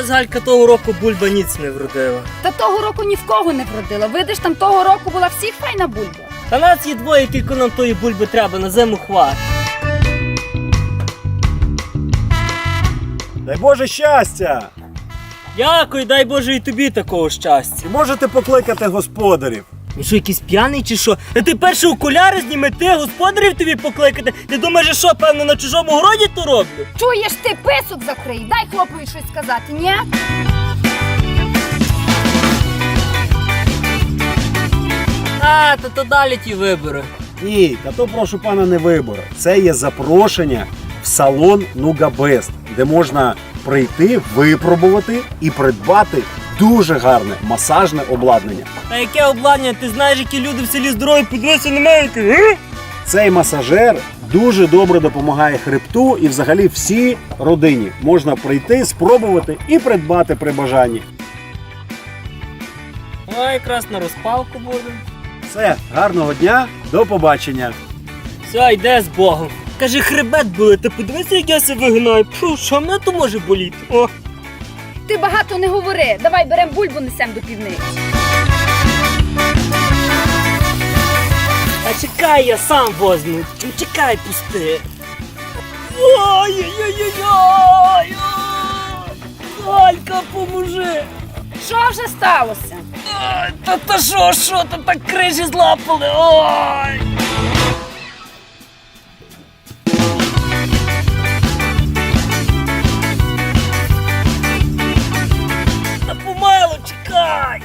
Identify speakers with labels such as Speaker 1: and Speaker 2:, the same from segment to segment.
Speaker 1: Щось Галька того року бульба ніц не вродила.
Speaker 2: Та того року ні в кого не вродила. Видиш, там того року була всіх файна бульба.
Speaker 1: Та нас є двоє, кілько нам тої бульби треба, на зиму хват.
Speaker 3: Дай Боже щастя!
Speaker 1: Дякую, дай Боже і тобі такого щастя.
Speaker 3: І можете покликати господарів.
Speaker 1: Він що, якийсь п'яний чи що? Та ти перше окуляри зніми, ти господарів тобі покликати. Ти думаєш, що, певно, на чужому городі то роблю?
Speaker 2: Чуєш, ти писок закрий, дай хлопові щось сказати, ні?
Speaker 1: А, то далі ті вибори.
Speaker 3: Ні, та то прошу пана не вибори. Це є запрошення в салон Нугабест, де можна прийти, випробувати і придбати дуже гарне масажне обладнання.
Speaker 1: А яке обладнання? Ти знаєш, які люди в селі здорові, подивися на мене.
Speaker 3: Цей масажер дуже добре допомагає хребту і взагалі всій родині. Можна прийти, спробувати і придбати при бажанні.
Speaker 1: О, якраз на розпалку буде.
Speaker 3: Все, гарного дня, до побачення.
Speaker 1: Все, йде з Богом. Каже, хребет болить, ти подивися, як я себе вигинаю. Фу, що мене то може боліти? О.
Speaker 2: Ти багато не говори, давай берем бульбу, несем до півниці.
Speaker 1: А чекай, я сам возьму. Чекай, пусти. Ой-ой-ой-ой-ой! Галька, поможи!
Speaker 2: Що вже сталося?
Speaker 1: Та що, та так крижі злапали, ой! Та помилу, чекай!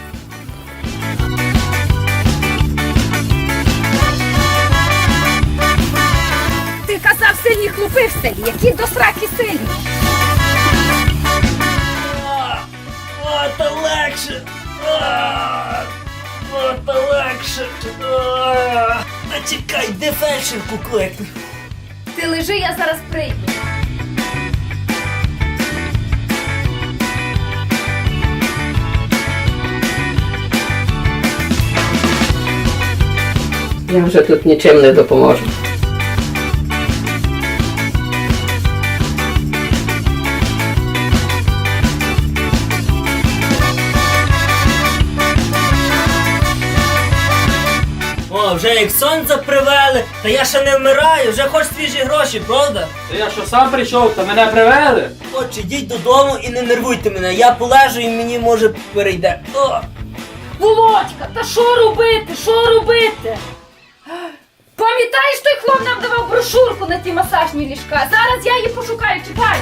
Speaker 2: Ти казав, сильні хлопи в селі, які до сраки сильні.
Speaker 1: О, та легше! О, та легше! Та чекай, де фельдшерку кликну?
Speaker 2: Ти лежи, я зараз прийду.
Speaker 4: Я вже тут нічим не допоможу.
Speaker 1: О, вже як сонце привели, та я ще не вмираю, вже хоч свіжі гроші, правда?
Speaker 5: Та я що сам прийшов, та мене привели?
Speaker 1: Отже, йдіть додому і не нервуйте мене, я полежу і мені може перейде. О!
Speaker 2: Володька, та що робити, що робити? Пам'ятаєш, той хлоп нам давав брошурку на ті масажні ліжка? Зараз я її пошукаю, чекай.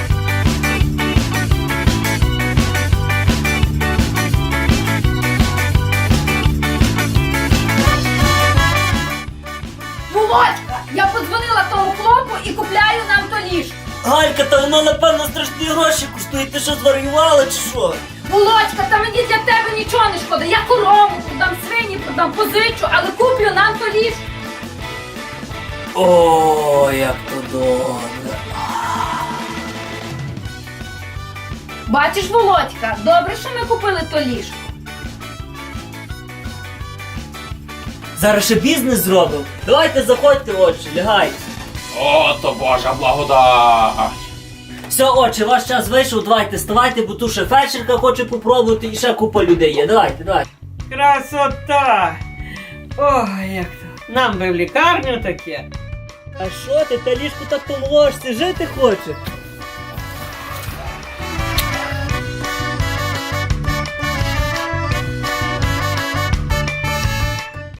Speaker 2: Володька, я подзвонила тому хлопу і купляю нам то ліжко.
Speaker 1: Галька, та воно напевно страшні гроші коштує, ти що зварювала чи що?
Speaker 2: Володька, та мені для тебе нічого не шкода. Я корову продам, свині продам, позичу, але куплю нам то ліжко.
Speaker 1: О, як то добре.
Speaker 2: Бачиш, Володька, добре, що ми купили то ліжко.
Speaker 1: Зараз ще бізнес зробимо. Давайте заходьте, отче, лягайте.
Speaker 5: О, то Божа благодать!
Speaker 1: Все, отче, ваш час вийшов, давайте вставайте, бо тут ще фельдшерка хоче попробувати і ще купа людей є. Давайте.
Speaker 6: Красота! Ой, як то. Нам би в лікарню таке.
Speaker 1: А що ти, та ліжко так помолошся, жити хоче?